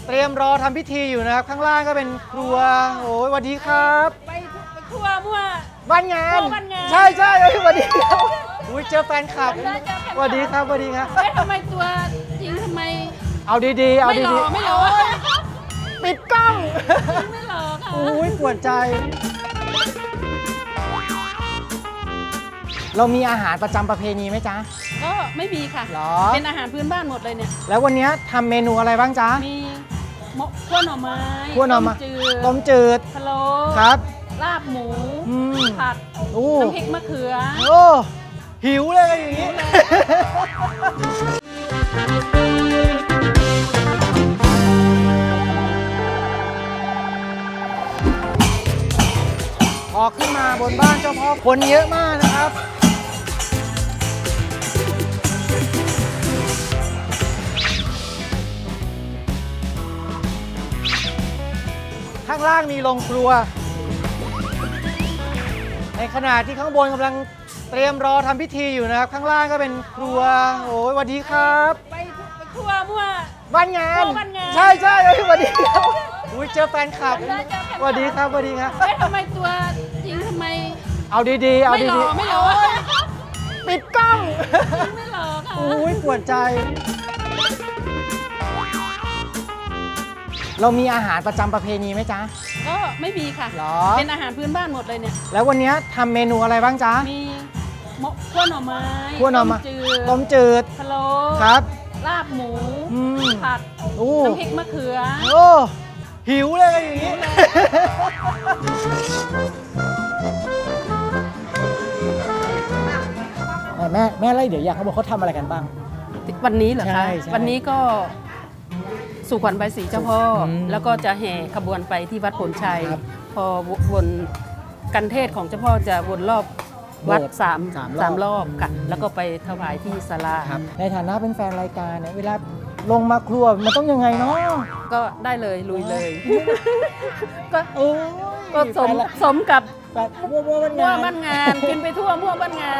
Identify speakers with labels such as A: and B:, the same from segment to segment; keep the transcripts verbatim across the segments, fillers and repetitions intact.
A: เตรียมรอทำพิธีอยู่นะครับข้างล่างก็เป็นครัวโอ้ยสวัสดีครับ
B: ไปครัวมั่ว
A: บ้านงาน
B: ครัวบ้านงาน
A: ใช่ใช่เอ้ยสวัสดีครับอุ้ยเจอแฟนคลับ
B: ได้เจอแฟนคลับ
A: สวัสดีครับสวัสดีครับ
B: เอ๊ะทำไมตัวจริงทำไม
A: เอาดีๆเอา
B: ไม่หล่
A: ดี
B: อไม่หล่อ
A: ๆปิดกล้อง
B: ไม่หล่อค่ะ
A: อุ้ยปวดใจ เรามีอาหารประจำประเพณีไหมจ๊ะ
B: ก็ไม่มีค่ะ
A: หรอ
B: เป็นอาหารพื้นบ้านหมดเลยเนี่ย
A: แล้ววันนี้ทำเมนูอะไรบ้างจ๊ะ
B: มีหมกคั่วหน่อไม้
A: คั่วหน่อไม้
B: ต้มจืด
A: ต้มจืด
B: พะโล้
A: ครับ
B: ลาบหมู
A: อืม
B: ผัด
A: โอ้
B: น้ำพริกมะเขือ
A: โอ้หิวเลยอย่างนี้ พอขึ้นมาบนบ้านเจ้าพ่อคนเยอะมากนะครับ ข้างล่างมีโรงครัว ในขณะที่ข้างบนกำลังเตรียมรอทำพิธีอยู่นะครับ ข้างล่างก็เป็นครัวโอ้ยสวัสดีครับ
B: ไปครัวมั่ว
A: บ้านงาน
B: ครัวบ้านงาน
A: ใช่ใช่เอ้ยสวัสดีครับอุ้ยเจอแฟนคลับ
B: ได้เจอแฟนคลับ
A: สวัสดีครับสวัสดีครับ
B: เอ๊ะทำไมตัวจริงทำไม
A: เอาดีๆเอา
B: ไม่หล่
A: ดี
B: อไม่หล่อ
A: ๆปิดกล้อง
B: ไม่หล่อค่ะ
A: อุ้ยปวดใจ เรามีอาหารประจำประเพณีไหมจ๊ะ
B: ก็ไม่มีค่ะ
A: หรอ
B: เป็นอาหารพื้นบ้านหมดเลยเนี่ย
A: แล้ววันนี้ทำเมนูอะไรบ้างจ๊ะ
B: มีหมกคั่วหน่อไม้
A: คั่วหน่อไม้
B: ต้มจืด
A: ต้มจืด
B: พะโล้
A: ครับ
B: ลาบหมู
A: อืม
B: ผัด
A: โอ้
B: น้ำพริกมะเขือ
A: โอ้หิวเลยอย่างนี้ แม่แม่ไล่เดี๋ยวอยากเขาบอกเขาทำอะไรกันบ้าง
B: วันนี้เหรอ
A: ใช่
B: คะ
A: ใช่
B: วันนี้ก็สู่ขวัญใบสีเจ้าพ่ออ
A: ม
B: แล้วก็จะแห่ขบวนไปที่วัดผลชัย
A: ครับ
B: พอวนกันเทศของเจ้าพ่อจะวนรอบวัด
A: โบสถ์
B: สาม
A: สามรอบ
B: สามรอบค่ะ แล้วก็ไปถวายที่ศาลา
A: ในฐานะเป็นแฟนรายการเนี่ยเวลาลงมาครัวมันต้องยังไงเนาะ
B: ก็ได้เลยลุยเลย ก็
A: โอ้ย
B: ก็สม
A: แฟนละ
B: สมกับ
A: แฟนมั่วมั่วมัน
B: มั่ว
A: งาน
B: บ้านงาน กินไปทั่วมั่วบ้านงาน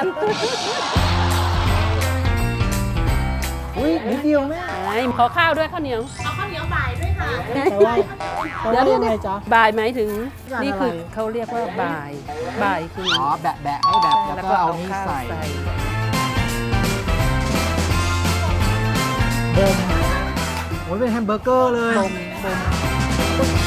A: อุ้ยนิดเดียวแม่
B: ไอ้ขอข้าวด้วยข้าวเหนียว
A: แต่ว่าแต่ว่ายังไงจ๊ะ
B: บ่ายหมายถึง
A: ร้านอะไร
B: นี่คือเขาเรียกว่าบ่ายบ่ายคือ
A: อ๋อแบะแบะให้แบบแล้วก็เอานี่
B: ข้าว
A: ใส่
B: ใส่
A: บมโอ้ยเป็นแฮมเบอร์เกอร์เลย
B: บ่มบ่ม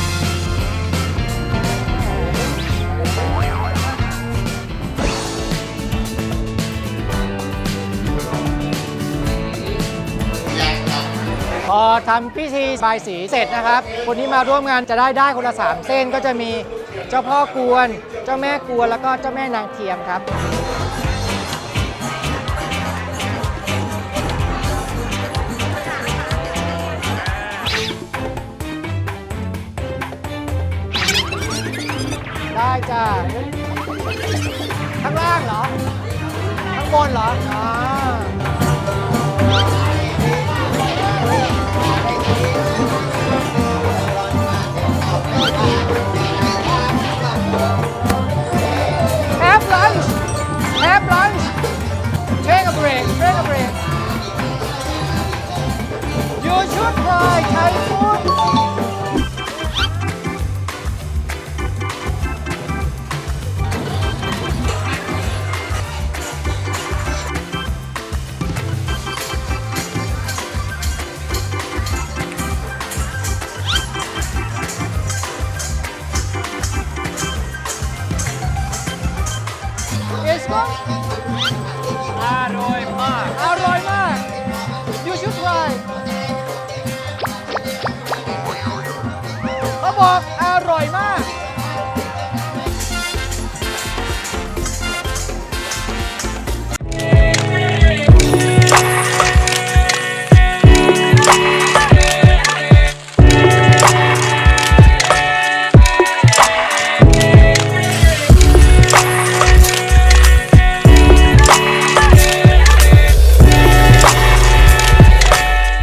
A: พอทำพิธีบายสีเสร็จนะครับ คนที่มาร่วมงานจะได้ได้คนละสามเส้นก็จะมีเจ้าพ่อกวน เจ้าแม่กวนแล้วก็เจ้าแม่นางเทียมครับ ได้จ้าข้างล่างเหรอ ข้างบนเหรออ๋อ